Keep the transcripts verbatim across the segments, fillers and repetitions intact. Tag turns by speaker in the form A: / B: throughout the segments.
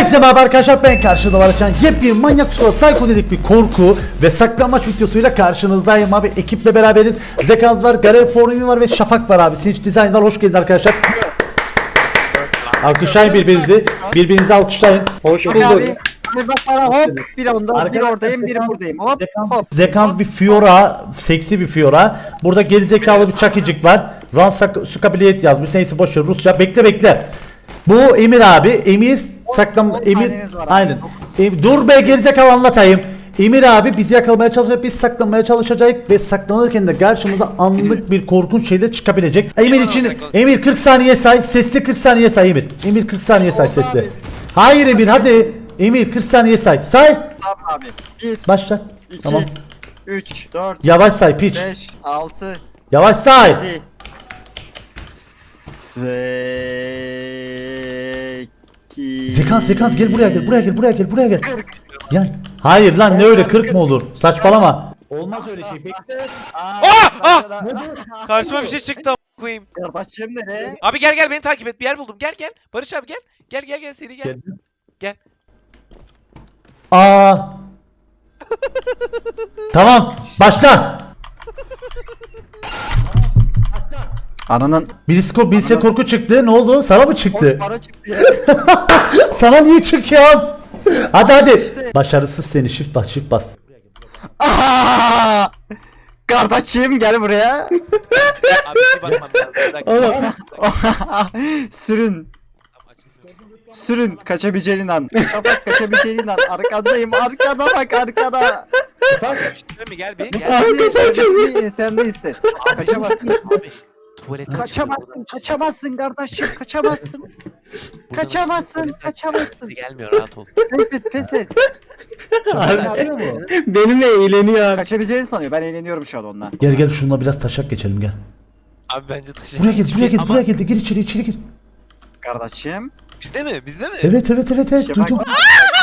A: Herkese merhaba arkadaşlar, ben karşıda var açan yepyeni manyak tutulan psikodelik bir korku ve saklanmaç videosuyla karşınızdayım abi. Ekiple beraberiz. Zekans var, Garen Formi var ve Şafak var abi. Sinch Design var. Hoş geldiniz arkadaşlar. Alkışlayın birbirinizi. Birbirinizi alkışlayın.
B: Hoş
C: Abi,
B: bulduk.
C: abi, abi bak bana hop bir onda bir oradayım biri buradayım hop hop.
A: Zekans bir Fiora, seksi bir Fiora. Burada gerizekalı bir çakıcık var. Ransak Sukabiliyet yazmış. Neyse boş ver, Rusça. Bekle bekle. Bu Emir abi. Emir saklan
C: on
A: Emir
C: saniyeniz var abi.
A: aynen. Em- dur be gerizekalı, anlatayım. Emir abi bizi yakalamaya çalışacak, biz saklanmaya çalışacağız ve saklanırken de karşımıza anlık bir korkunç şeyler çıkabilecek. Emir için Emir kırk saniye say, sesli kırk saniye say Emir. Emir kırk saniye say sesli.
C: abi.
A: Hayır Emir, hadi. Emir kırk saniye say. Say.
C: Tamam abi. bir,
A: Başla.
C: iki,
A: Tamam.
C: üç, dört,
A: Yavaş say piç.
C: beş, altı,
A: Yavaş say.
C: yedi, sekiz.
A: Zekans Zekans gel buraya gel buraya gel buraya gel buraya gel. Gel. Hayır lan, ne öyle kırk mı olur? Saçmalama. Olmaz öyle şey. Bekle.
C: Ah!
B: Ah!
C: Ah!
B: Karşıma bir şey çıktı a** koyayım.
C: Kardeşim nereye?
B: Abi gel gel beni takip et, bir yer buldum. Gel gel. Barış abi gel. Gel gel gel seri gel. Gel.
A: Aa. Tamam. Başla.
C: Ananın
A: Birisi, ko birisi korku çıktı. Ne oldu? Sana mı çıktı?
C: boş para çıktı ya.
A: Sana niye çıkıyor? Hadi hadi.
C: İşte.
A: Başarısız seni. Shift bas, shift bas.
C: Aa! Kardeşim gel buraya.
B: Abi bir bakmam lazım. Bir dakika.
A: Oğlum.
B: Bir dakika.
C: Sürün.
B: Tamam, açılsın.
C: Sürün kaçabileceğin an. Kapat kaçabileceğin an. Arkadayım. Arkada bak arkada.
B: Değil mi? Gel bir gel.
C: Abi kaçamıyorum. Sen de hisset. Kaçamazsın.
B: Abi tuvalete
C: Kaçamazsın. Kaçamazsın kardeşim. Kaçamazsın. Kaçamazsın. Kaçamazsın.
B: Gelmiyor, rahat ol.
C: Pes et pes et.
B: Benimle eğleniyor.
C: Kaçabileceğini sanıyor. Ben eğleniyorum şu an onunla.
A: Gel gel şununla biraz taşak geçelim gel.
B: Abi bence taşı.
A: Buraya gel, buraya gel,
B: Ama
A: buraya gel de gir içeri, içeri gir.
C: Kardeşim.
B: Bizde mi? Bizde mi?
A: Evet evet evet evet
C: İşte
A: duydum.
C: bak-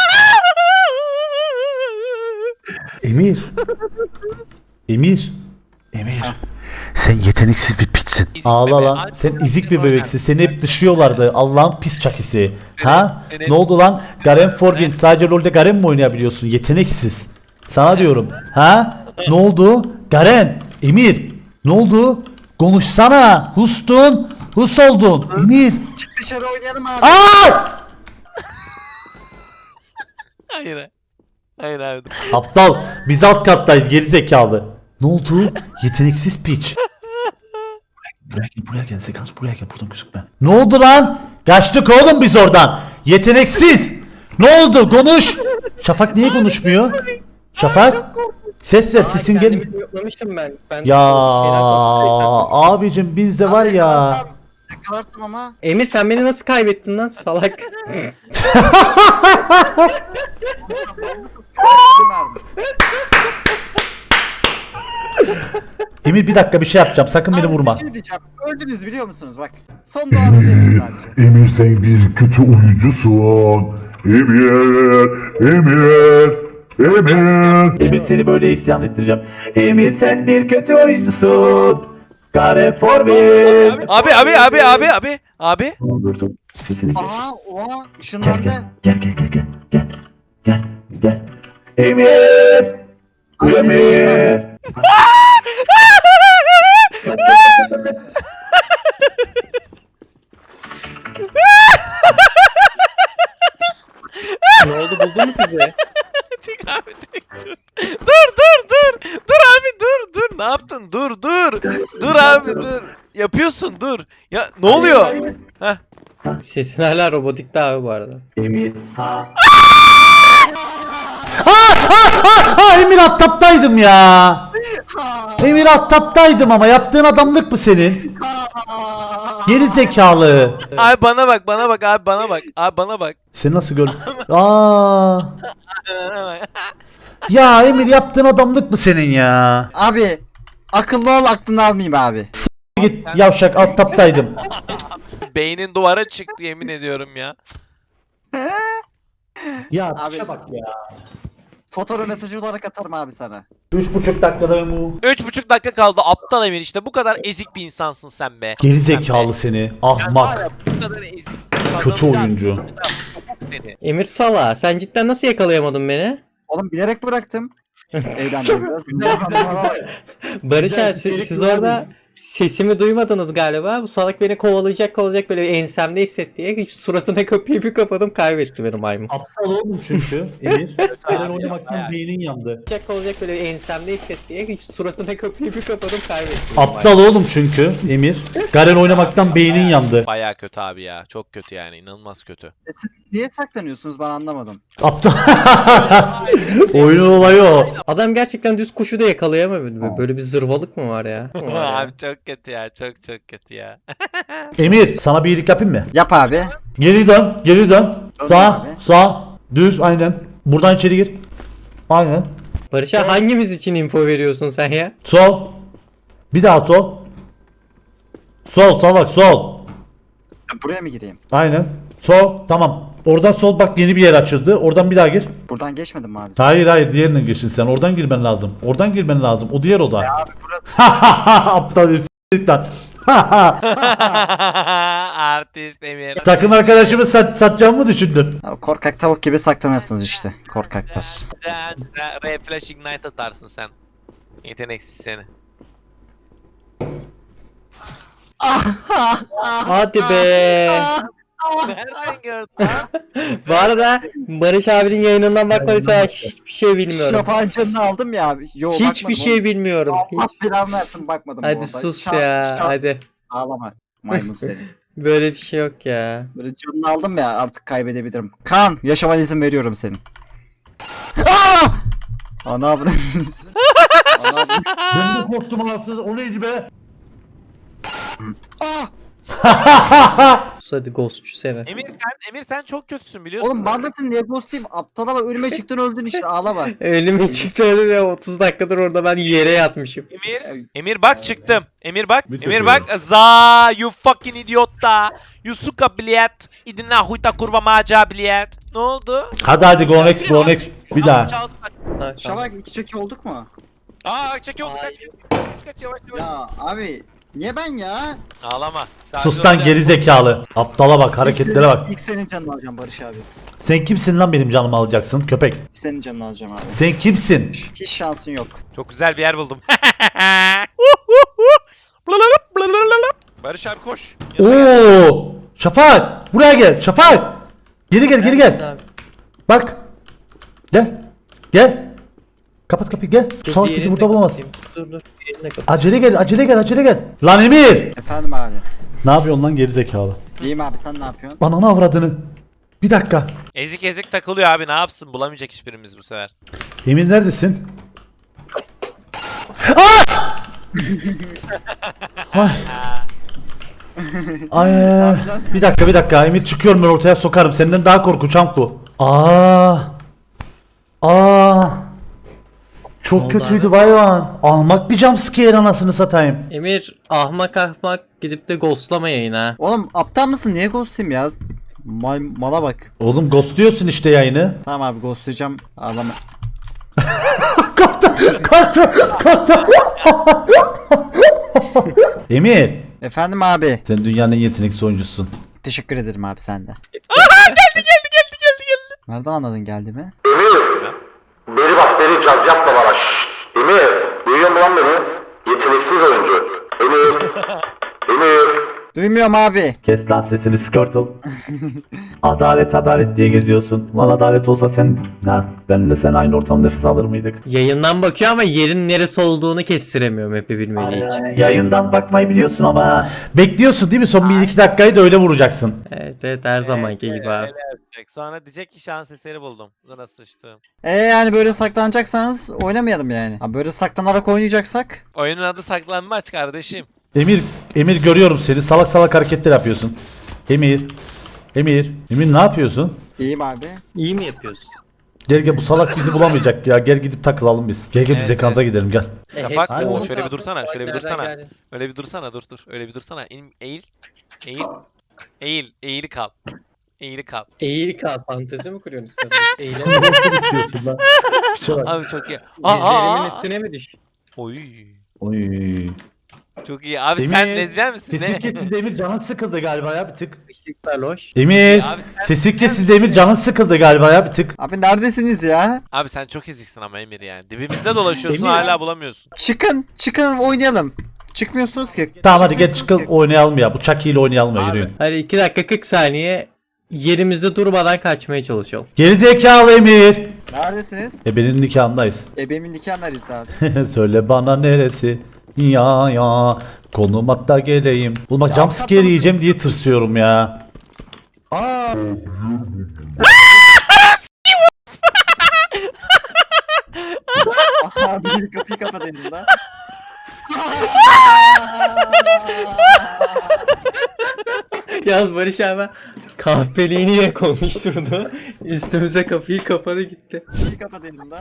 A: Emir. Emir. Emir. Sen yeteneksiz bir pitsin.
B: İzik
A: Ağla
B: bebe.
A: lan.
B: Ay,
A: Sen
B: çok
A: izik bir
B: güzel
A: bebeksin. Seni hep dışlıyorlardı. Allah'ın pis çakisi.
B: Seni-
A: Ha?
B: seni-
A: Ne oldu lan? Garen Forvin. Sadece LoL'de Garen mi oynayabiliyorsun? Yeteneksiz. Sana diyorum. Ha? Ne oldu? Garen. Emir. Ne oldu? Konuşsana. Hustun. Hus oldun. Emir.
C: Çık dışarı oynayalım abi.
A: Aa!
B: Hayır. Hayır abi. dur.
A: Aptal. Biz alt kattayız gerizekalı. Ne oldu? Yeteneksiz piç. Buraya gel, buraya gel Zekans, buraya gel, buradan gözükme. Ne oldu lan? Kaçtık oğlum biz oradan. Yeteneksiz. Ne oldu? Konuş. Şafak niye konuşmuyor? Şafak. Ses ver, sesin gel.
D: Yoklamışım ben. Ben
A: Ya
D: şeyler konuşuyorum.
A: abicim bizde var ya.
C: Yakalarsam- Yakalarsam ama.
D: Emir sen beni nasıl kaybettin lan salak?
C: Bizim mermi.
A: Emir bir dakika bir şey yapacağım. Sakın beni
C: Abi,
A: vurma.
C: Bir şey diyeceğim. Öldünüz biliyor musunuz bak. Son doğanız Emir sadece.
E: Emir sen bir kötü oyuncusun. Emir, Emir, Emir.
A: Emir seni böyle isyan ettireceğim. Emir sen bir kötü oyuncusun. Garen Forvin.
B: Abi abi abi abi abi. Abi.
A: Dur dur. Sesini kes.
C: Aha oha
A: Gel
C: ışınlandı.
A: gel gel gel gel gel gel gel gel. Emir. Emir.
D: Ne oldu buldun mu sizi?
B: Çık abi çık dur. Dur dur dur. Dur abi dur dur. Ne yaptın? Dur dur. Dur abi dur. Yapıyorsun dur. Ya ne oluyor? Heh.
D: Sesin hala robotikti abi bu arada.
A: Emir. Ha. Ha ha ha Emir attaptaydım ya. Emir attaptaydım ama yaptığın adamlık mı senin? Geri zekalı.
B: Abi bana bak bana bak abi bana bak. Abi bana bak.
A: Seni nasıl gördün? Aa.
B: Bana bak.
A: Ya Emir yaptığın adamlık mı senin ya?
C: Abi akıllı ol aklını almayayım abi.
A: Git yavşak attaptaydım.
B: Beynin duvara çıktı yemin ediyorum ya.
A: Ya
C: Abi.
A: abi. Bak ya.
C: Fotoğraf mesajı olarak atarım abi sana.
A: Üç buçuk dakikada ben bu.
B: Üç buçuk dakika kaldı aptal Emir, işte bu kadar ezik bir insansın sen be.
A: Geri zekalı seni.
B: Sen var
A: Ahmak.
B: ya, bu kadar ezik.
A: Kötü oyuncu.
B: seni.
D: Emir Sala sen cidden nasıl yakalayamadın beni?
C: Oğlum bilerek bıraktım. Eğlendim biraz.
D: Barış
A: Güzel
D: abi
A: bir
D: siz,
A: seyirlik
D: siz
A: var
D: orada sesimi duymadınız galiba. Bu salak beni kovalayacak kovalayacak böyle ensemde hissetti diye hiç suratına kapıyı bir kapadım kaybetti benim maymun.
A: Aptal oğlum çünkü Emir. Garen
B: abi,
A: oynamaktan
B: bayağı.
A: beynin yandı.
D: Kovalayacak kovalayacak böyle ensemde hissetti diye hiç suratına kapıyı bir kapadım kaybetti. benim
A: Aptal oğlum çünkü Emir. Garen oynamaktan beynin yandı.
B: Baya kötü abi ya. Çok kötü yani. İnanılmaz kötü.
C: E Siz niye saklanıyorsunuz ben anlamadım.
A: Aptal. Oyunun olayı o.
D: maymun. Adam gerçekten düz kuşu da yakalayamadı. Böyle bir zırvalık mı var ya? Var ya.
B: abi çok kötü ya. Çok çok kötü ya.
A: Emir sana bir iyilik yapayım mı?
C: Yap abi.
A: Geri dön, geri dön.
C: Dön
A: Sağ,
C: abi.
A: sağ, düz, aynen. Buradan içeri gir. Aynen.
D: Barış abi hangimiz için info veriyorsun sen ya?
A: Sol. Bir daha sol. Sol, salak, sol.
C: Buraya mı gireyim?
A: Aynen. Sol, tamam. Oradan sol bak yeni bir yer açıldı. Oradan bir daha gir.
C: Buradan geçmedim mi abi?
A: Hayır hayır diğerine girsin sen. Oradan girmen lazım. Oradan girmen lazım. O diğer oda.
C: Abi burası
A: Aptal bir s**t lan.
B: Artist Emir.
A: Takım arkadaşımı sat, satacağımı mı düşündün?
C: Abi korkak tavuk gibi saklanırsınız işte. Korkaklar.
B: Güzel güzel. Ray Flash Ignite atarsın sen. Yeteneksiz seni.
D: Hadi be.
B: Nereden gördün?
D: Bu arada Barış abinin yayınından bakmadıysa hiçbir şey bilmiyorum.
C: Şafağın canını aldım ya abi. Yo,
D: Hiçbir
C: bakmadım
D: şey
C: oğlum.
D: bilmiyorum.
C: Allah
D: Hiç.
C: belanı versin bakmadım bu
D: Hadi
C: arada.
D: sus
C: Şa-
D: ya.
C: şa-
D: Hadi.
C: Ağlama. Maymun seni.
D: Böyle bir şey yok ya.
C: Böyle canını aldım ya artık kaybedebilirim. Kan yaşamana izin veriyorum senin. Aa! Ana abone. Ana abone.
A: Ben de korktum anasını. O neydi be?
C: Aa!
D: Sus hadi ghostçu seni.
B: Emir sen Emir sen çok kötüsün biliyorsun.
C: Oğlum ben nasıl niye ghost'uyum? Aptala bak önüme çıktın öldün işte ağlama.
D: Ölüme çıktı öyle de otuz dakikadır orada ben yere yatmışım.
B: Emir, Emir bak çıktım. Emir bak,
A: Bir
B: Emir
A: takıyorum.
B: bak. Za, you fucking idiotta. You suka bilet. İdina huyta kurva maca bilet. Ne oldu?
A: Hadi hadi go next go next. Bir daha.
D: Ha, tamam.
C: Şafak iki çeki olduk mu?
B: Aa çekiyor kaç kaç. Kaç kaç yavaş yavaş.
C: Ya abi niye ben ya?
B: Ağlama.
A: Sus lan geri zekalı. Aptala bak hareketlere
C: İlk
A: bak.
C: senin- İlk senin canını alacağım Barış abi.
A: Sen kimsin lan benim canımı alacaksın köpek?
C: İlk senin canını alacağım abi.
A: Sen kimsin?
C: Hiç şansın yok.
B: Çok güzel bir yer buldum. Barış abi koş.
A: Oo! Şafak! Buraya gel. Şafak! Geri gel, geri gel.
D: Abi,
A: Bak. Gel. Gel. Kapat kapıyı gel.
D: dur,
A: Salak
D: diğerini
A: bizi
D: de
A: burada bulamaz.
D: kapatayım. Dur dur. Diğerini de kapat.
A: Acele gel, acele gel, acele gel. Lan Emir!
C: Efendim abi.
A: Ne yapıyorsun lan geri zekalı?
C: İyiyim abi sen ne yapıyorsun?
A: Ananı avradını. Bir dakika.
B: Ezik ezik takılıyor abi ne yapsın bulamayacak hiçbirimiz bu sefer.
A: Emir neredesin? Aa! Ay. Ay. Bir dakika bir dakika Emir çıkıyorum ben ortaya sokarım. Senden daha korkunç bu. Aa. Aa. Çok
D: oldu
A: kötüydü
D: abi?
A: bayvan. Almak bir jumpscare anasını satayım.
D: Emir ahmak ahmak gidip de ghostlama yayına.
C: Oğlum aptal mısın? Niye ghost'uyum ya? Mal, mala bak.
A: Oğlum ghostluyorsun işte yayını.
C: Tamam abi ghostlayacağım. Ağlama.
A: Korktum, korktum, korktum. Emir,
C: Efendim abi.
A: sen dünyanın en yeteneksiz oyuncusun.
C: Teşekkür ederim abi sen de.
B: Geldi geldi geldi geldi.
C: Nereden anladın geldi mi?
E: Beri bak beri caz yapma bana. Şşş. Emir. Duyuyor musun lan beni? Yeteneksiz oyuncu. Emir. Emir.
C: Duymuyorum abi.
A: Kes lan sesini Skirtle. Adalet adalet diye geziyorsun. Lan adalet olsa sen... Ha, benimle sen aynı ortamda nefes alır mıydık?
D: Yayından bakıyor ama yerin neresi olduğunu kestiremiyorum hep'i bilmediği için.
A: Yayından bakmayı biliyorsun ama. Bekliyorsun değil mi? Son bir iki dakikayı da öyle vuracaksın.
D: Evet evet her zamanki gibi abi.
B: Öyle yapacak. Sonra diyecek ki şans eseri buldum. Buna sıçtım.
C: E yani böyle saklanacaksanız oynamayalım yani. Abi böyle saklanarak oynayacaksak.
B: Oyunun adı saklanmaç kardeşim.
A: Emir, Emir görüyorum seni. Salak salak hareketler yapıyorsun. Emir. Emir. Emir ne yapıyorsun?
C: İyiyim abi.
D: İyi mi yapıyorsun?
A: Gel gel bu salak bizi bulamayacak ya. Gel gidip takılalım biz. Gel gel
B: Evet,
A: bize kanza gidelim gel.
D: E,
B: Şafak,
D: hepsi
B: oo,
D: onun
B: şöyle bir
D: kalsın.
B: dursana, şöyle bir
D: Nereden
B: dursana.
D: geldin?
B: Öyle bir dursana dur dur. Öyle bir dursana. İn, eğil. Eğil. Eğil. Eğili kal. Eğili kal.
D: Eğil kal fantezi mi kuruyorsun sen? Eğilen
A: istiyorsun lan? Piçe bak.
B: Abi çok iyi.
D: dizlerimin
B: Aa,
D: üstüne mi düş?
B: Oy.
A: Oy.
B: Çok iyi. Abi
A: Emir,
B: sen lezbiyen misin?
A: Sesin
B: Ne?
A: kesildi Emir, canın sıkıldı galiba ya bir tık.
D: Işıklar loş.
A: Emir
B: Abi sen-
A: sesin kesildi Emir, canın sıkıldı galiba ya bir tık.
C: Abi neredesiniz ya?
B: Abi sen çok eziksin ama Emir yani. Dibimizde dolaşıyorsun
A: Emir.
B: hala bulamıyorsun.
C: Çıkın, çıkın oynayalım. Çıkmıyorsunuz ki.
A: Tamam hadi geç
C: Çıkmıyorsunuz
A: çıkalım oynayalım ya. Bu Chucky ile oynayalım ya, yürüyün.
D: Hadi iki dakika kırk saniye yerimizde durmadan kaçmaya çalışalım.
A: Gerizekalı Emir.
C: ki. Neredesiniz?
A: Ebenin nikahındayız.
C: Ebemin nikahındayız abi.
A: Söyle bana neresi? Ya ya. Konum hatta geleyim. Oğlum bak jump scare yiyeceğim diye tırsıyorum ya. Aa.
C: Abi bir kapıyı kapat elimden.
D: Yalnız Barış abi kahpeliğini yine konuşturdu. Üstümüze kapıyı kapadı gitti.
C: Kapıyı kapat elimden.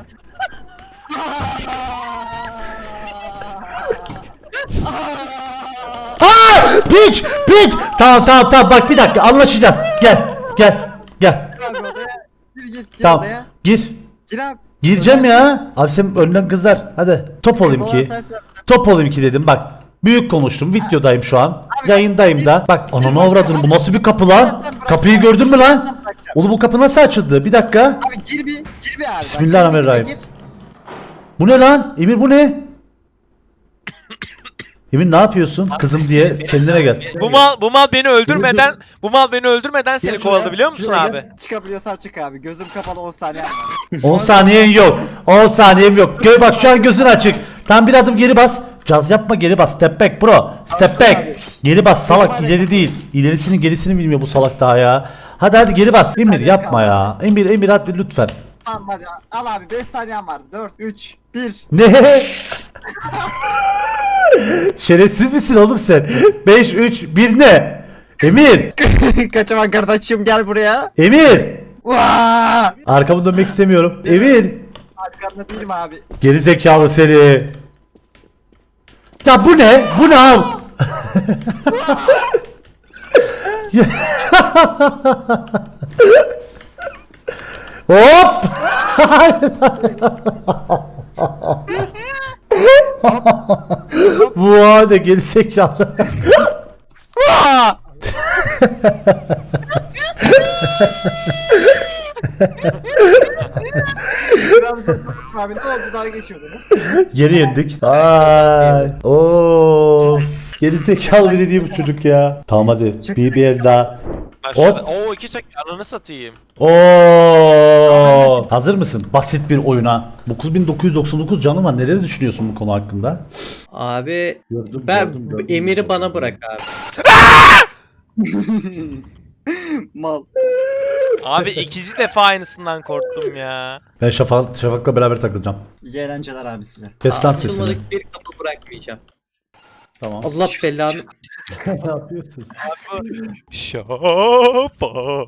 A: Aa! Piç! Piç! Tamam tamam tamam bak bir dakika anlaşacağız. Gel. Gel. Gel.
C: Gir abi odaya. Gir gir gir
A: Tamam.
C: odaya.
A: Gir.
C: Gir abi.
A: Gireceğim ya. Abi sen önden kızar. Hadi. Top olayım
C: Kız
A: ki.
C: olan sensin.
A: Top olayım ki dedim bak. Büyük konuştum. Videodayım şu an. Yayındayım da. Bak ananı avradını. Bu nasıl bir kapı lan? Kapıyı gördün mü lan? Oğlum bu kapı nasıl açıldı? Bir dakika.
C: Abi gir bir, gir bir abi.
A: Bismillahirrahmanirrahim.
C: Gir, gir, gir.
A: Bu ne lan? Emir bu ne? Emir ne yapıyorsun? Kızım diye kendine gel.
B: Bu mal bu mal beni öldürmeden bu mal beni öldürmeden seni
A: Gel
B: kovaladı
A: şuraya,
B: biliyor musun
A: şuraya
B: abi?
A: gel.
C: Çıkabiliyorsan çık abi. Gözüm kapalı on saniye var.
A: on saniyen yok. on saniyem yok. Gö bak şu an gözün açık. Tam bir adım geri bas. Caz yapma, geri bas. Step back bro. Step back. Geri bas salak, ileri değil. İlerisini gerisini bilmiyor bu salak daha ya. Hadi hadi geri bas. Emir yapma ya. Emir Emir hadi lütfen.
C: Tamam hadi al abi beş saniyen var. dört, üç, bir.
A: Ne? Şerefsiz misin oğlum sen? beş üç bir ne? Emir!
C: Kaçaman kardeşim gel buraya.
A: Emir!
C: Vaa!
A: Arkamı dönmek istemiyorum. Emir!
C: Arkanda değilim abi.
A: Geri zekalı seni. Ya bu ne? Bu ne abi? Hop! Bu hadi geri zekalı.
C: Vaa! Biraz da- abi ne oldu daha geçiyordunuz.
A: Geri yendik. Ay. Oo. Geri zekalı biri değil bu çocuk ya. Tamam hadi. Bir bir el daha.
B: Aşağıda. Oo iki çek ananı satayım.
A: Oo. Hazır mısın? Basit bir oyuna. dokuz bin dokuz yüz doksan dokuz canım var. Neleri düşünüyorsun bu konu hakkında?
D: Abi
A: Gördüm,
D: ben
A: gördüm,
D: bu
A: gördüm,
D: Emir'i
A: gördüm.
D: bana bırak abi.
C: Mal.
B: Abi ikinci defa aynısından korktum ya.
A: Ben Şafak, Şafak'la beraber takılacağım.
C: İyi eğlenceler abi size.
A: Kes lan sesini.
D: Açılmadık bir kapı bırakmayacağım.
A: Tamam.
D: Allah belanı.
A: Ne yapıyorsun?
B: Şafak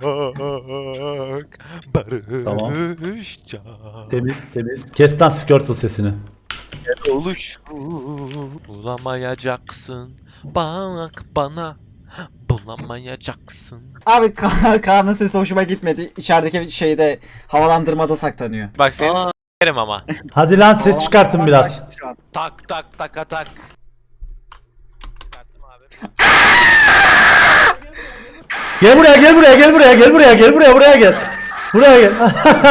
A: Tamam.
B: barışça
A: Temiz temiz. Kes lan Squirtle sesini.
B: oluş bulamayacaksın bak bana bulamayacaksın.
C: Abi Ka- Kaan'ın sesi hoşuma gitmedi. İçerideki şeyde havalandırmada saklanıyor.
B: Bak seni
D: Aa.
B: s**erim ama.
A: Hadi lan ses çıkartın biraz.
C: Başladı şu an.
B: Tak tak tak tak. Çıkarttım abi.
A: Gel buraya gel buraya gel buraya gel buraya gel buraya buraya gel. Buraya gel.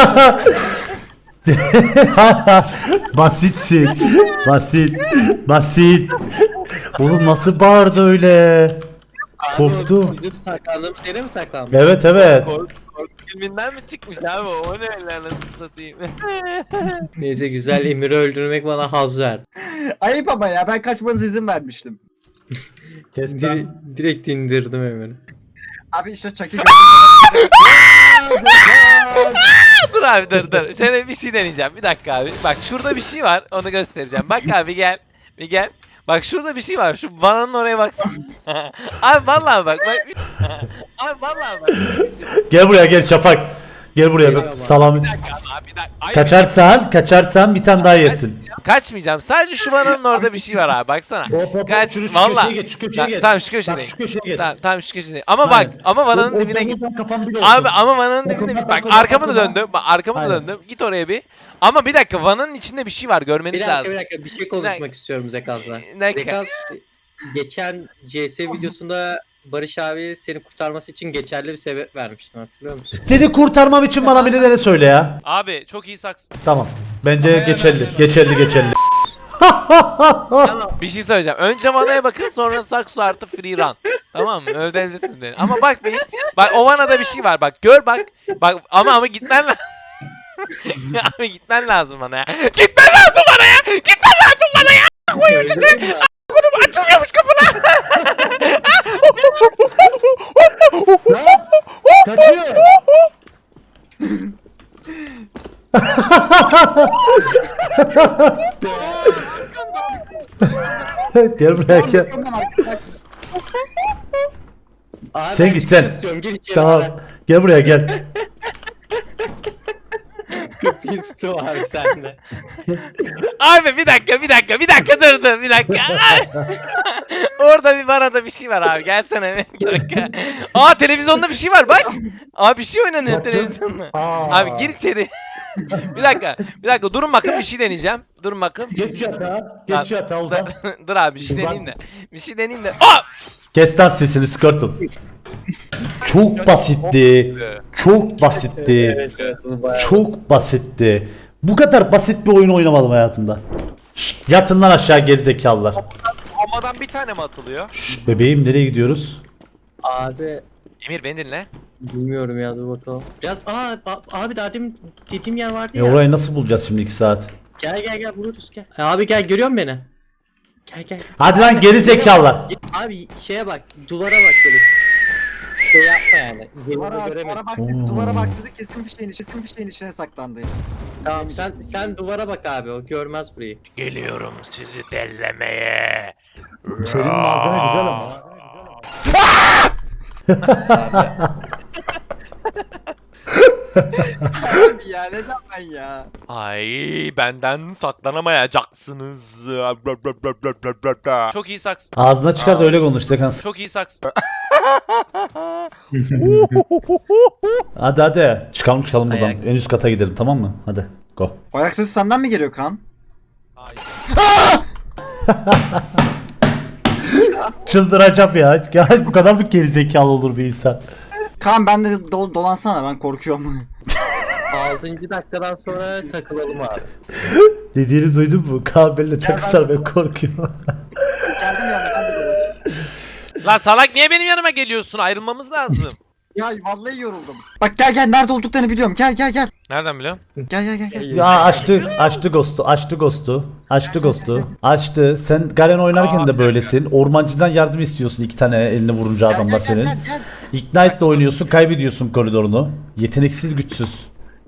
A: Basitsin. Basit. Basit. Oğlum nasıl bağırdı öyle? Korktu.
D: Gidip saklandığım yere mi saklandı?
A: Evet evet.
B: Korku, korku filminden mi çıkmış abi? O ne lan satayım.
D: Neyse güzel Emir'i öldürmek bana haz ver.
C: Ayıp ama ya ben kaçmanıza izin vermiştim.
A: Kes
D: Dire-
A: lan.
D: direkt indirdim Emir'i.
C: Abi işte Chucky
B: Dur abi dur dur. Sana bir şey deneyeceğim. Bir dakika abi. Bak şurada bir şey var. Onu göstereceğim. Bak abi gel. Bir gel. Bak şurada bir şey var. Şu vananın oraya baksana. Abi vallahi bak. bak. Abi vallahi bak. Bir şey var.
A: Gel buraya gel Şafak. Gel buraya bak. Salam.
B: Bir dakika abi bir dakika. Hayır,
A: Kaçarsan, kaçarsan bir tane daha yersin.
B: Kaçmayacağım. Sadece şu vananın orada bir şey var abi. Baksana. Kaç. Valla. Ta- Tamam şu köşedeyim. Tamam, tamam şu köşedeyim. Ama bak.
A: Hayır.
B: Ama vananın dibine git. Abi ama vananın dibinde bir bak arkamı da döndüm. Bak arkamı da
A: Aynen.
B: döndüm. Git oraya bir. Ama bir dakika vananın içinde bir şey var
D: Bir
B: görmeniz
D: dakika
B: lazım.
D: bir dakika bir şey konuşmak istiyorum Zekaz'la.
B: Ne-
D: Zekaz geçen C S videosunda Barış abi seni kurtarması için geçerli bir sebep vermiştin, hatırlıyor musun?
A: Seni kurtarmam için bana bir de söyle ya.
B: Abi çok iyi saks.
A: Tamam. Bence geçerli. Geçerli geçerli.
B: Bir şey söyleyeceğim. Önce vanaya bakın, sonra sakso artı free run. Tamam mı? Öldürürsünüz beni. Ama bak bir, bak o vanada bir şey var. Bak gör bak. Bak ama ama gitmen lazım. Abi gitmen lazım bana ya. Gitmen lazım bana ya. Gitmen lazım bana ya. Koyun çocuğu. Kodum açılıyormuş kapına.
A: Kaçıyor. Gel buraya gel.
D: Abi
A: Sen
D: ben
A: git,
D: çıkış
A: sen.
D: istiyorum, gir içeri.
A: Tamam. Gel buraya gel.
D: Pisto abi sende.
B: Abi bir dakika bir dakika bir dakika dur dur bir dakika. Orada bir vanada bir şey var abi, gelsene bir dakika. Aa televizyonda bir şey var bak. Aa bir şey oynanıyor televizyonda. Abi gir içeri. Bir dakika bir dakika durun bakın, bir şey deneyeceğim. Durun bakın.
A: Geç yatağa. Geç yatağa uzan.
B: Dur abi bir şey deneyeyim de. Bir şey deneyeyim de. Aa!
A: Kes lan sesini Squirtle. Çok basitti. Çok basitti.
D: Evet evet, bunu bayağı
A: Çok basitti. Bu kadar basit bir oyun oynamadım hayatımda. Şşt, yatın lan aşağı gerizekalılar.
B: Havadan bir tane mi atılıyor?
A: Şşt, bebeğim nereye gidiyoruz?
D: Abi
B: Emir beni dinle.
D: bilmiyorum ya, dur bakalım. Biraz aa a- abi daha demin dediğim yer vardı
A: E
D: ya.
A: orayı nasıl bulacağız şimdi iki saat?
D: Gel gel gel buluruz gel. E, abi gel, görüyor musun beni? Gel gel.
A: Hadi lan gerizekalılar.
D: Abi şeye bak, duvara bak böyle. Şey yapma yani.
C: Duvara,
D: Yerinde
C: duvara
D: göremedim.
C: baktık,
A: Oo.
C: duvara baktık kesin bir şeyin, kesin bir şeyin içine saklandı.
D: Tamam sen sen duvara bak abi, o görmez burayı.
B: Geliyorum sizi dellemeye.
A: Senin malzeme güzel ama.
C: Abi ya neden ben ya?
B: Ay benden saklanamayacaksınız. Çok iyi saks.
A: Ağzına çıkar da öyle konuş Dekans.
B: Çok iyi saks.
A: Hadi hadi. Çıkalım çıkalım buradan.
D: Ayak.
A: En üst kata gidelim, tamam mı? Hadi. Go.
C: Ayak sesi senden mi geliyor Kaan?
B: Hayır.
A: Çıldıracağım ya. Ya bu kadar mı gerizekalı olur bir insan?
C: Kaan ben de do- dolansana, ben korkuyorum.
D: altıncı dakikadan sonra takılalım abi.
A: Dediğini duydun mu? Kabelle takısar ben korkuyorum.
C: Geldim yani ben de dolaşıyorum.
B: Lan salak niye benim yanıma geliyorsun? Ayrılmamız lazım.
C: Ya vallahi yoruldum. Bak gel gel, nerede olduklarını biliyorum. Gel gel gel.
B: Nereden biliyorsun?
C: Gel gel gel gel.
A: Ya açtı, açtı Ghost'u, açtı Ghost'u, açtı Ghost'u, açtı. Sen Garen oynarken de böylesin. Ormancıdan yardım istiyorsun iki tane elini vurunca
C: Gel,
A: adamlar
C: gel, gel,
A: senin.
C: gel, gel.
A: Ignite'le oynuyorsun, kaybediyorsun koridorunu. Yeteneksiz, güçsüz.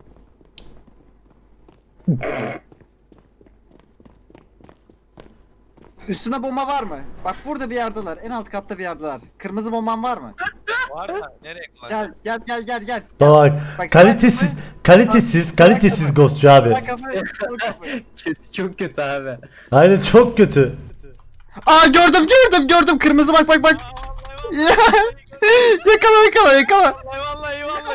C: Üstüne bomba var mı? Bak burada bir yerdeler. En alt katta bir yerdeler. Kırmızı bomban var mı?
B: Var da nereye
C: Gel gel gel gel gel.
A: Bak,
C: Bak,
A: kalitesiz,
C: salak
A: kalitesiz,
C: salak
A: kalitesiz
C: kafa.
A: Ghost'cu abi.
C: Bak kafayı, sol kafayı.
D: Kötü, çok kötü abi.
A: Aynen çok kötü.
C: Aa gördüm gördüm gördüm, kırmızı bak bak bak. Ya. yakala yakala yakala.
B: Vallahi vallahi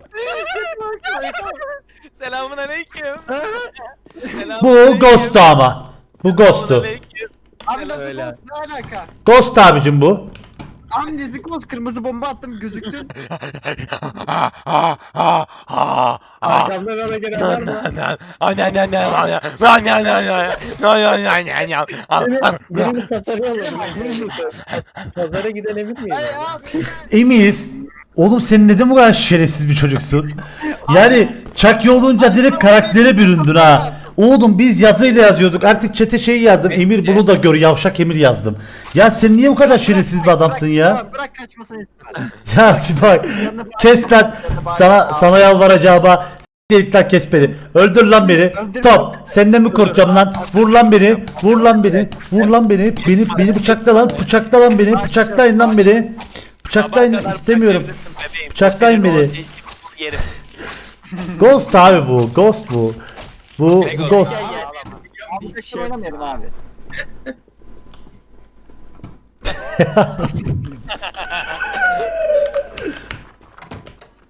B: Selamun aleyküm.
A: Bu Ghost'tu ama. Bu Ghost'tu.
C: Abi nasıl
D: Öyle.
C: ghost, ne alaka?
A: Ghost abicim bu.
C: Abi nezi ghost, kırmızı bomba attım gözüktün.
D: Arkamdan bana gelen var mı? Birini pazara alalım. Birini pazara giden emin miyim?
C: Ay abi.
A: Emir. Oğlum sen neden bu kadar şerefsiz bir çocuksun? Yani Chucky olunca direkt karaktere büründün ha. Oğlum biz yazıyla yazıyorduk. Artık çete şey yazdım. Emir bunu da gör. Yavşak Emir yazdım. Ya sen niye bu kadar şerefsiz bir adamsın ya?
C: Tamam, bırak kaçmasını etsin.
A: Ya Sibay. Kes lan. Sana, sana yalvaracağıma. Git lan, kes beni. Öldür lan beni. Top. Senden mi korkacağım lan? Vur lan beni. Vur lan beni. Vur lan beni. Beni beni bıçakla lan. Bıçakla lan beni. Bıçaklayın lan beni. Bıçaklayın, istemiyorum. Bıçaklayın beni.
B: Yerim.
A: Ghost abi bu. Ghost bu. Bu, bu Ghost.
C: Abi tekrar oynamayalım abi.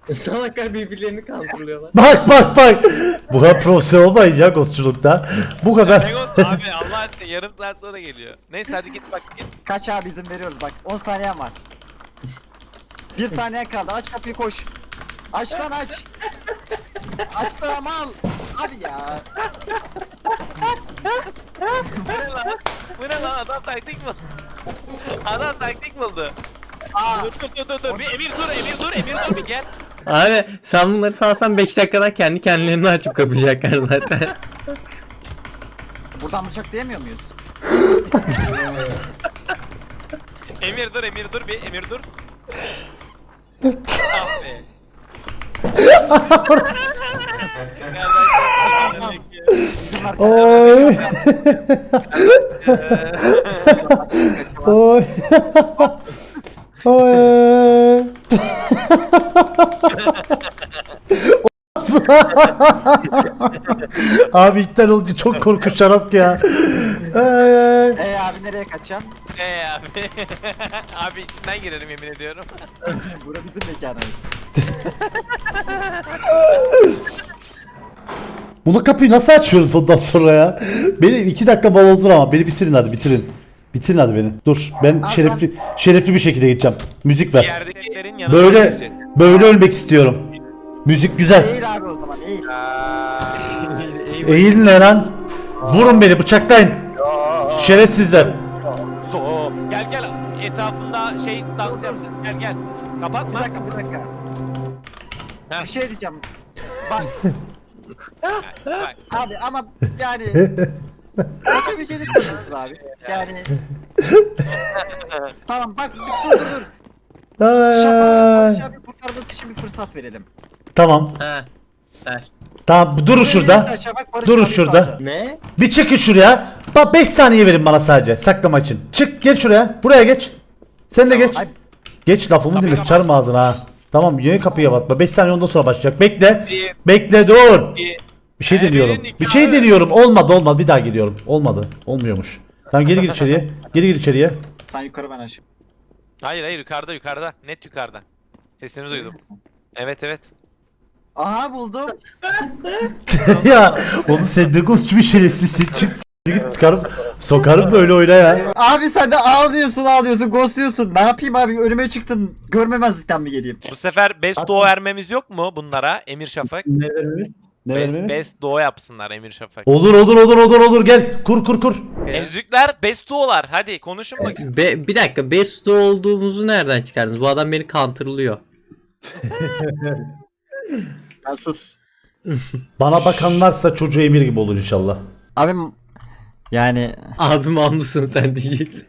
D: Salaklar birbirlerini kandırıyorlar.
A: Bak bak bak. Bu kadar profesyonel olmayın ya ghostçulukta. Bu kadar.
B: Legos abi Allah aşkına yarım saat sonra geliyor. Neyse hadi git bak git.
C: Kaç abi izin veriyoruz bak. on saniyen var. Bir saniye kaldı. Aç kapıyı koş. Aç lan aç. Aç lan mal. Abi ya.
B: Bu ne lan? Bu ne lan adam taktik mi? Adam taktik buldu.
C: Aa.
B: Dur dur dur dur dur. Bir Emir dur Emir dur Emir dur bir gel.
D: Abi sen bunları salsan beş dakikada kendi kendilerini açıp kapayacaklar zaten.
C: Buradan bıçak diyemiyor muyuz?
B: Emir dur Emir dur bir Emir dur. Ah be.
C: Bizim
A: Oy. Oy. Oy. Abi iptal olunca çok korkunç şarap ya. Ay, ay.
C: Ee abi nereye kaçacaksın?
B: Eee abi. Abi içinden girerim yemin ediyorum.
C: Bura bizim mekanımız.
A: Bunu kapıyı nasıl açıyoruz ondan sonra ya? Beni iki dakika bal oldur ama beni bitirin hadi bitirin. Bitirin hadi beni. Dur ben
C: Abi
A: şerefli şerefli bir şekilde gideceğim. Müzik ver.
B: Yerdekilerin yanına
A: Böyle
B: gideceğiz.
A: böyle ölmek istiyorum. Müzik güzel.
C: Eğil abi o zaman eğil.
A: Eğilin lan. Vurun beni bıçaklayın. Şerefsizler.
B: So, gel gel etrafında şey dans yapsın. Gel gel.
C: Bir
B: Kapatma.
C: dakika bir dakika.
B: Ha.
C: Bir şey diyeceğim. Bak
B: Bak.
C: abi ama yani kaçabileceğiniz sıkıntı abi. Yani tamam bak dur dur dur. Şafak'la
A: Ay.
C: Barış abi kurtarması için bir fırsat verelim.
A: Tamam.
D: Ha. Ver.
A: Tamam durun şurada.
C: Şafak, Barış
A: Durun
C: abi
A: şurada.
C: salacağız.
D: Ne?
A: Bir çıkın şuraya. Bak beş saniye verin bana sadece saklama için. Çık gel şuraya. Buraya geç. Sen de geç.
C: Ay,
A: Geç lafımı dinle sıçarım ağzına ha. Tamam yeni kapıya batma. beş saniye ondan sonra başlayacak. Bekle.
B: Bir,
A: Bekle dur.
B: iki.
A: Bir şey
B: Ee,
A: deniyorum.
B: verin
A: Bir
B: nikahı.
A: şey deniyorum. Olmadı olmadı. Bir daha gidiyorum. Olmadı. Olmuyormuş. Tamam geri gir içeriye. Geri gir içeriye.
C: sen yukarı ben aşağı.
B: Hayır hayır yukarıda yukarıda. Net yukarıda. Sesini duydum. Evet evet.
C: Aha buldum.
A: Ya oğlum sen de ghostçu bir şerefsizsin. Çık s- git çıkarım. Sokarım böyle oyna ya.
C: Abi sen de ağlıyorsun ağlıyorsun ghostluyorsun. Ne yapayım abi önüme çıktın. Görmemezlikten mi geleyim?
B: Bu sefer best doğu vermemiz yok mu bunlara Emir Şafak?
A: Ne vermemiz? Ne
B: Best,
A: vermemiz?
B: best doğu yapsınlar Emir Şafak.
A: Olur olur olur olur olur gel. Kur kur kur.
B: Ezükler best doğular. Hadi konuşun bakayım.
D: Be, bir dakika Besto olduğumuzu nereden çıkardınız? Bu adam beni counterlıyor.
C: Sen sus.
A: Bana bakanlarsa çocuğu Emir gibi olur inşallah.
C: Abim yani
D: Abim al mısın sen diyecektin.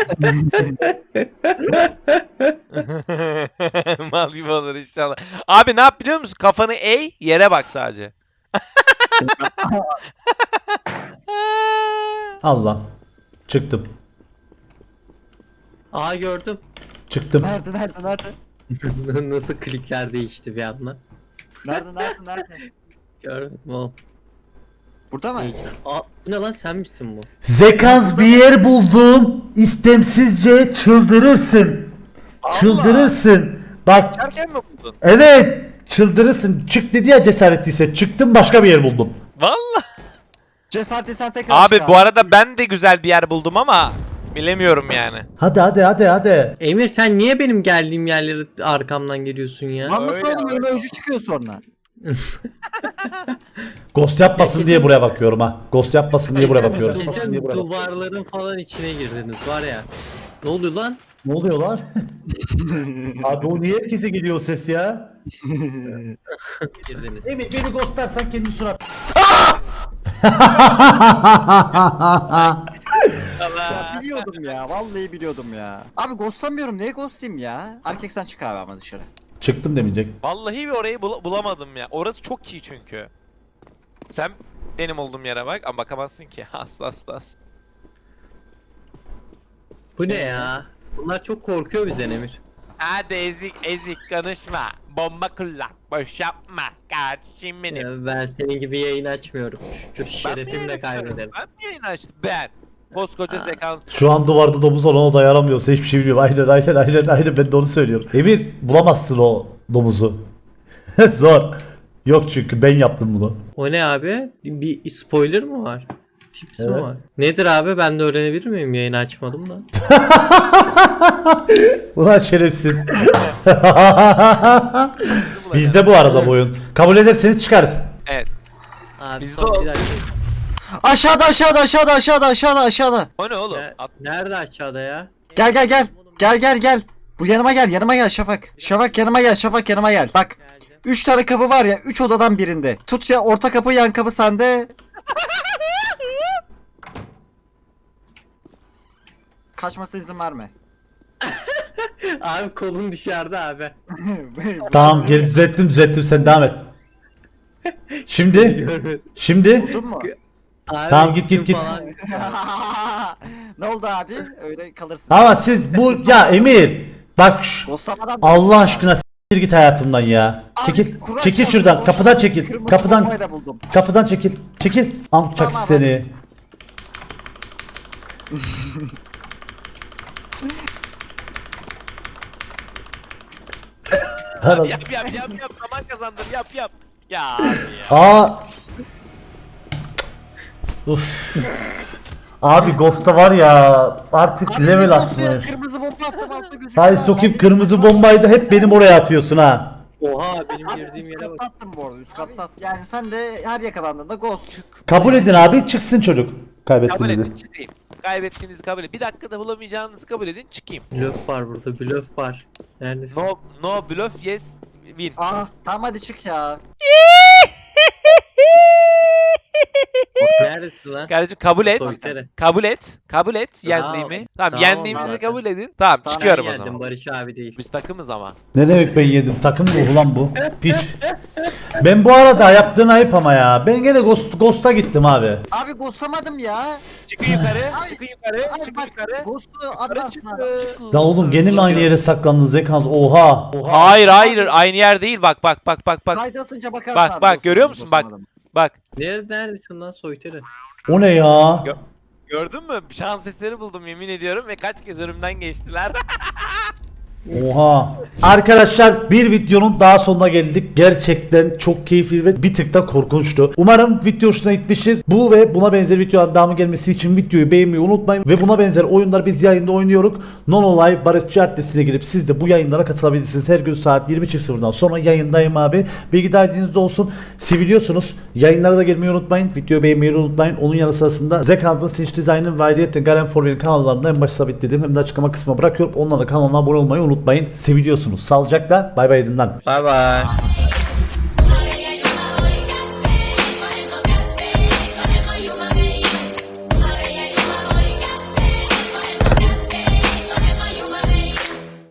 B: Mal gibi olur inşallah. Abi ne yap biliyor musun? Kafanı eğ yere bak sadece.
A: Allah. Çıktım.
D: Aa gördüm.
A: Çıktım.
C: nerede nerede nerede?
D: Nasıl klikler değişti bir anda.
C: Nerede nerede nerede?
D: Görmedim oğlum.
C: Burada mı?
D: İyi. Aa bu ne lan sen misin bu?
A: Zekans bir yer buldum. İstemsizce çıldırırsın. Çıldırırsın. Bak
B: Çerken mi buldun?
A: evet. Çıldırırsın. Çık dedi ya cesaretliyse. Çıktım başka bir yer buldum.
B: Valla.
C: Cesareti sen tekrar
B: Abi
C: çık
B: bu arada ben de güzel bir yer buldum ama bilemiyorum yani.
A: Hadi hadi hadi hadi.
D: Emir sen niye benim geldiğim yerlere arkamdan geliyorsun ya?
C: Lan nasıl
B: Öyle,
C: oğlum önüme öcü çıkıyor sonra.
A: Ghost yapmasın
D: Ya
A: diye
D: kesin-
A: buraya bakıyorum ha. Ghost yapmasın diye buraya bakıyorum.
D: Kesin duvarların falan içine girdiniz var ya. Ne oluyor lan?
A: Ne oluyor lan? Abi o niye herkese geliyor o ses ya?
D: Girdiniz.
A: Emir beni ghostlarsan kendi surat.
C: Ya biliyordum ya vallahi biliyordum ya. Abi ghostlamıyorum niye ghostlayayım ya? Erkek sen çık abi ama dışarı.
A: Çıktım demeyecek.
B: Vallahi bir orayı bul- bulamadım ya. Orası çok iyi çünkü. Sen benim olduğum yere bak ama bakamazsın ki. Asla asla asla.
D: Bu ne ya? Bunlar çok korkuyor bizden Emir.
B: Hadi ezik ezik konuşma. Bomba kullan. Boş yapma. Kardeşim benim.
D: Ya ben senin gibi yayın açmıyorum. Şu
B: Ben mi
D: şerefimle
B: yayın
D: kaybederim.
B: açıyorum? Ben mi yayın açtım? Ben. Koskoca sekans.
A: Şu an duvarda domuz olan o dayanamıyorsa hiçbir şey bilmiyorum. Aynen aynen aynen aynen ben de onu söylüyorum. Emir bulamazsın o domuzu. Zor. Yok çünkü ben yaptım bunu.
D: O ne abi? Bir spoiler mı var? Tips mi
A: Evet.
D: var? Nedir abi? Ben de öğrenebilir miyim? Yayını açmadım da.
A: Ulan şerefsiz. Bizde bu arada bu oyun. Kabul ederseniz çıkarız.
B: Evet.
D: Abi
B: Bizde
D: son
B: o-
D: bir dakika.
C: Aşağıda aşağıda aşağıda aşağıda aşağıda aşağıda.
B: O ne oğlum?
D: Ne-
B: At-
D: Nerede aşağıda ya?
C: Gel gel gel. Gel gel gel. Bu yanıma gel yanıma gel Şafak. Şafak yanıma gel Şafak yanıma gel. Bak. Üç tane kapı var ya. Üç odadan birinde. Tut ya orta kapı yan kapı sende. Kaçmasına izin verme.
D: Abi kolun dışarıda abi.
A: Tamam geri düzelttim düzelttim sen devam et. Şimdi
D: Görmedim.
A: şimdi
C: Buldun mu?
D: Abi,
A: Tamam, git, git,
D: kim
A: git.
D: falan-
C: Ne oldu abi? Öyle kalırsın.
A: ama siz bu ya Emir bak şu-
C: Bossamadan
A: Allah aşkına s**tir git hayatımdan ya.
C: Abi,
A: Çekil.
C: Kur'an
A: Çekil
C: çarpsın,
A: şuradan.
C: boss-
A: Kapıdan çekil.
C: Kırmızı
A: Kapıdan
C: bombayla buldum.
A: kapıdan çekil. Çekil. Amcak
C: Tamam,
A: seni. Her-
B: Yap yap yap yap. Zaman kazandır yap yap. Ya abi ya.
A: Aa. Uf. Abi Ghost'ta var ya artık
C: Abi
A: level
C: ne boss'u ya?
A: atmış.
C: Kırmızı bomba attım altta gözüküyor.
A: Hay sokayım kırmızı bombayı da hep benim oraya atıyorsun ha.
D: Oha benim
C: Abi
D: girdiğim
C: üst
D: yere bak.
C: katta attım bu arada üst katta attım. Yani sen de her yakalandığında ghost çık.
A: Kabul edin abi çıksın çocuk.
B: Kabul
A: Kaybettiğinizi.
B: edin çıkayım. Kaybettiğinizi kabul edin. Bir dakikada bulamayacağınızı kabul edin çıkayım.
D: Blöf var burada, blöf var. Neredesin?
B: No no bluff yes win.
C: Aa tamam hadi çık ya.
D: Neredesin lan?
B: Kardeşim kabul et.
D: Soytarı.
B: Kabul et. Kabul et
D: Tamam.
B: yendiğimi. Tamam,
D: Tamam,
B: yendiğimizi
D: zaten.
B: kabul edin. Tamam,
C: Tamam,
B: çıkıyorum
D: Ben
B: o
D: geldim,
B: zaman.
D: Barış abi değil.
B: Biz takımız ama.
A: Ne demek ben yedim? Takım ruhu lan bu. Piç. Ben bu arada yaptığın ayıp ama ya. Ben gene Ghost, Ghost'a gittim abi.
C: Abi ghostlamadım ya.
B: Çıkın yukarı.
C: Ay,
B: Çıkın yukarı.
C: Ay
B: Çıkın
C: bak
B: yukarı.
C: ghost'u
B: Yukarı
C: atarsın abi.
B: çıkın.
A: Da oğlum gene mi aynı yere saklandınız Zekans? Oha.
B: Hayır hayır aynı yer değil. Bak bak bak bak bak.
C: Kaydı atınca bakarsın
B: Bak,
C: abi
B: bak,
C: ghost'u
B: görüyor
C: mu,
B: musun? Bak.
C: ghostlamadım.
B: Bak.
D: Nerede, neredesin lan soytarı?
A: O ne ya?
B: Gördün mü? Şans eseri buldum yemin ediyorum ve kaç kez önümden geçtiler.
A: Oha. Arkadaşlar bir videonun daha sonuna geldik. Gerçekten çok keyifli ve bir tık da korkunçtu. Umarım video hoşuna gitmiştir. Bu ve buna benzer videoların devamı gelmesi için videoyu beğenmeyi unutmayın. Ve buna benzer oyunlar biz yayında oynuyoruz. Non-Olay Barışçı adresine girip siz de bu yayınlara katılabilirsiniz. Her gün saat yirmi sıfırdan sonra yayındayım abi. Bilgi dahilinizde olsun. Seviliyorsunuz. Yayınlara da gelmeyi unutmayın. Videoyu beğenmeyi unutmayın. Onun yanı sırasında Zekans'ın Sinch Design'ın ve ayrıca Garen Forward'ın kanallarında en başta sabitlediğim hem de açıklama kısmına bırakıyorum. Onlara kanalına abone olmayı unutmayın. Seviliyorsunuz. Sağlıcakla. Bay bay edin lan.
D: Bay bay.